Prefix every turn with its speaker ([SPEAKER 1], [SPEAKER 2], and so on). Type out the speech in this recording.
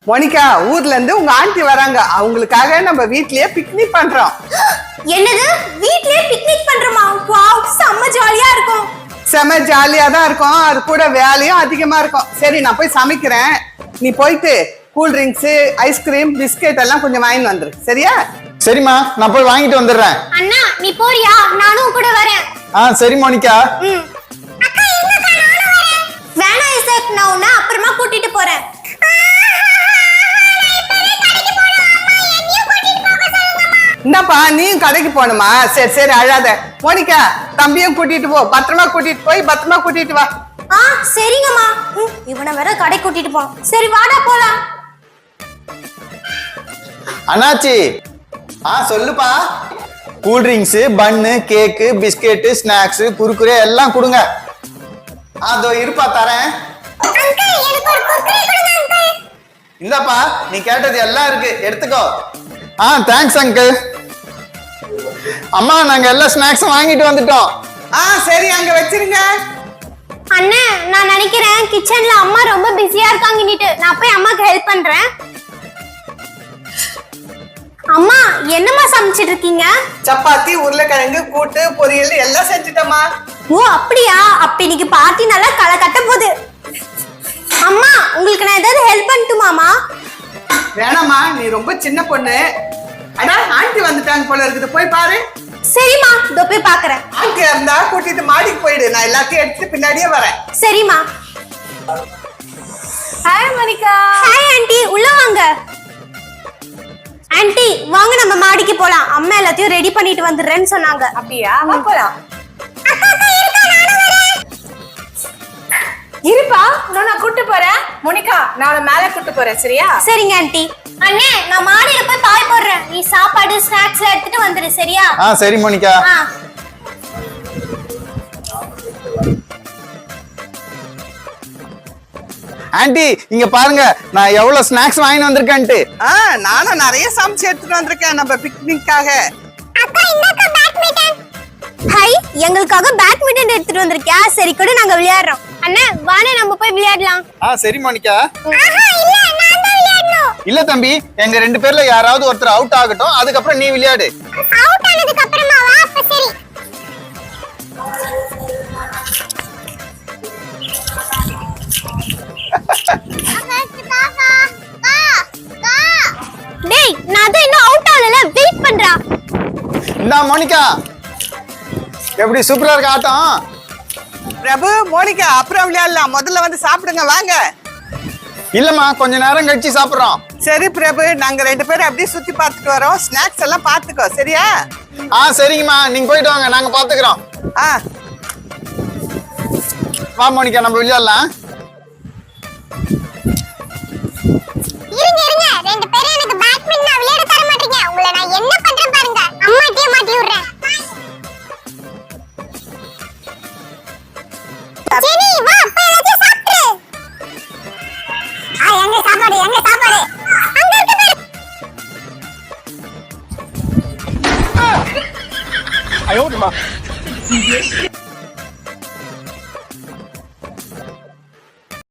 [SPEAKER 1] Monica, ஊர்ல இருந்து உங்க ஆண்டி வராங்க. அவங்களுக்காக நம்ம வீட்லயே பிக்னிக் பண்றோம்.
[SPEAKER 2] என்னது? வீட்லயே பிக்னிக் பண்றோமா? வாவ், செம்ம ஜாலியா இருக்கும்.
[SPEAKER 1] செம்ம ஜாலியா தான் இருக்கும். அது கூட வேலையும் அதிகமா இருக்கும். சரி, நான் போய் சமைக்கிறேன். நீ போயிட்டு கூல் ட்ரிங்க்ஸ், ஐஸ்கிரீம், பிஸ்கெட் எல்லாம் கொஞ்சம் வாங்கி வந்துரு. சரியா?
[SPEAKER 3] சரிம்மா, நான் போய் வாங்கிட்டு வந்துடுறேன்.
[SPEAKER 2] அண்ணா, நீ போறியா? நானும் கூட வரேன்.
[SPEAKER 3] சரி மோனிகா.
[SPEAKER 2] அக்கா, எங்கக்கா? நானும் வரேன். வேணா ஐசக், நான் உன்னை அப்புறமா கூட்டிட்டு போறேன்.
[SPEAKER 1] இந்தாப்பா, நீயும் கடைக்கு போகணுமா? சரி சரி, அழாத. மோனிகா, தம்பியும் கூட்டிட்டு போ. பத்திரமா கூட்டிட்டு போய் பத்திரமா கூட்டிட்டு வா.
[SPEAKER 2] சரிங்கம்மா. இவனை வேற கடை கூட்டிட்டு போனோம். சரி, வாடா போலாம்.
[SPEAKER 3] அண்ணாச்சி, சொல்லுப்பா. Cool drinks, bun, cake, biscuit, snacks, குறுக்குறே எல்லாம் கொடுங்க. அதோ இருப்பா, தரேன். இந்தாப்பா, நீ கேட்டது எல்லாம் இருக்கு, எடுத்துக்கோ. Thanks uncle. அம்மா, நாங்க எல்லா ஸ்நாக்ஸும் வாங்கிட்டு வந்துட்டோம்.
[SPEAKER 1] சரி, அங்க வச்சிருங்க.
[SPEAKER 2] அண்ணே, நான் நினைக்கிறேன் கிச்சன்ல அம்மா ரொம்ப பிஸியா இருக்காங்கன்னுட்டு நான் போய் அம்மாக்கு ஹெல்ப் பண்றேன். அம்மா, என்னம்மா சமைச்சிட்டு இருக்கீங்க?
[SPEAKER 1] சப்பாத்தி, உருளைக்கிழங்கு கூட்டு, பொரியல் எல்லாம் செஞ்சுட்டோமா.
[SPEAKER 2] ஓ, அப்படியா? அப்ப இன்னைக்கு பார்ட்டி நல்லா களை கட்ட போகுது. அம்மா, உங்களுக்கு நான் ஏதாவது ஹெல்ப் பண்ணட்டுமாமா?
[SPEAKER 1] வேணாமா, நீ ரொம்ப சின்ன பொண்ணு. அடா, ஆண்டி வந்துட்டாங்க போல இருக்குது, போய் பாரு.
[SPEAKER 2] சரிம்மா, இதோ போய் பாக்குறேன்.
[SPEAKER 1] ஆண்டி இருந்தா கூட்டிட்டு மாடிக்கு போயிடு. நான் எல்லாத்தையும் எடுத்து பின்னாடியே வரேன்.
[SPEAKER 2] சரிம்மா.
[SPEAKER 4] Hi Monica.
[SPEAKER 2] ஹாய் ஆண்டி, உள்ள வாங்க. ஆண்டி, வாங்க நம்ம மாடிக்கு போலாம். அம்மா எல்லாத்தையும் ரெடி பண்ணிட்டு வந்துடுறேன்னு சொன்னாங்க.
[SPEAKER 4] அப்படியா? வா போலாம். இருப்பா, நான் கூட்டு போறேன். மோனிகா, நான் மேல கூட்டு போறேன். சரியா?
[SPEAKER 2] சரிங்க ஆண்டி. அண்ணே, நான் மாடியில போய் பாய் போடுறேன். நீ சாப்பாடு ஸ்நாக்ஸ் எடுத்துட்டு வந்துரு. சரியா?
[SPEAKER 3] சரி மோனிகா. ஆண்டி, இங்க பாருங்க, நான் எவ்வளவு ஸ்நாக்ஸ் வாங்கி வந்திருக்கேன்ட்டு.
[SPEAKER 1] நானும் நிறைய சமைச்சு எடுத்துட்டு வந்திருக்கேன் நம்ம பிக்னிக்காக.
[SPEAKER 2] அக்கா, இந்தாக்க பேட்மிண்டன். ஹை, எங்களுக்காக பேட்மிண்டன் எடுத்துட்டு வந்திருக்கியா? சரி, கூட நாங்க விளையாடுறோம். அண்ணே, வாணே நம்ம போய் விளையாடலாம்.
[SPEAKER 3] சரி மோனிகா.
[SPEAKER 2] இல்ல, நான் தான் விளையாடணும்.
[SPEAKER 3] இல்ல தம்பி, எங்க ரெண்டு பேர்ல யாராவது ஒருத்தர் அவுட் ஆகட்டும், அதுக்கப்புறம் நீ விளையாடு.
[SPEAKER 2] அவுட் ஆனதுக்கு அப்புறமா வா. அப்ப சரி. டேய், நான் தான் இன்னும் அவுட் ஆகல. வெயிட் பண்றா.
[SPEAKER 3] இந்தா மோனிகா, எப்படி சூப்பரா இருக்க ஆட்டம்.
[SPEAKER 1] பிரபு, மோனிகா, அப்புறம் விளையாடலாம். முதல்ல வந்து சாப்பிடுங்க, வாங்க.
[SPEAKER 3] இல்லம்மா, கொஞ்ச நேரம் கழிச்சு சாப்பிடுறோம்.
[SPEAKER 1] சரி பிரபு, நாங்க ரெண்டு பேரும் அப்படியே சுத்தி பார்த்துட்டு வரோம். ஸ்நாக்ஸ் எல்லாம் பார்த்துக்கோ. சரியா?
[SPEAKER 3] சரிங்கம்மா, நீங்க போயிட்டு வாங்க, நாங்க பாத்துக்கிறோம். வா மோனிகா, நம்ம விளையாடலாம்.
[SPEAKER 2] இருங்க இருங்க, ரெண்டு பேரும் எனக்கு பேட்மிண்டன் விளையாட தர மாட்டீங்க. உங்களை நான் என்ன பண்றேன் பாருங்க. அம்மாட்டியே மாட்டி விடுறேன். ஜெனி, வா, போய் எல்லாத்தையும் சாப்பிடு. எங்க சாப்பாடு? எங்க சாப்பாடு? அங்க இருக்கு பாரு.
[SPEAKER 3] ஐயோ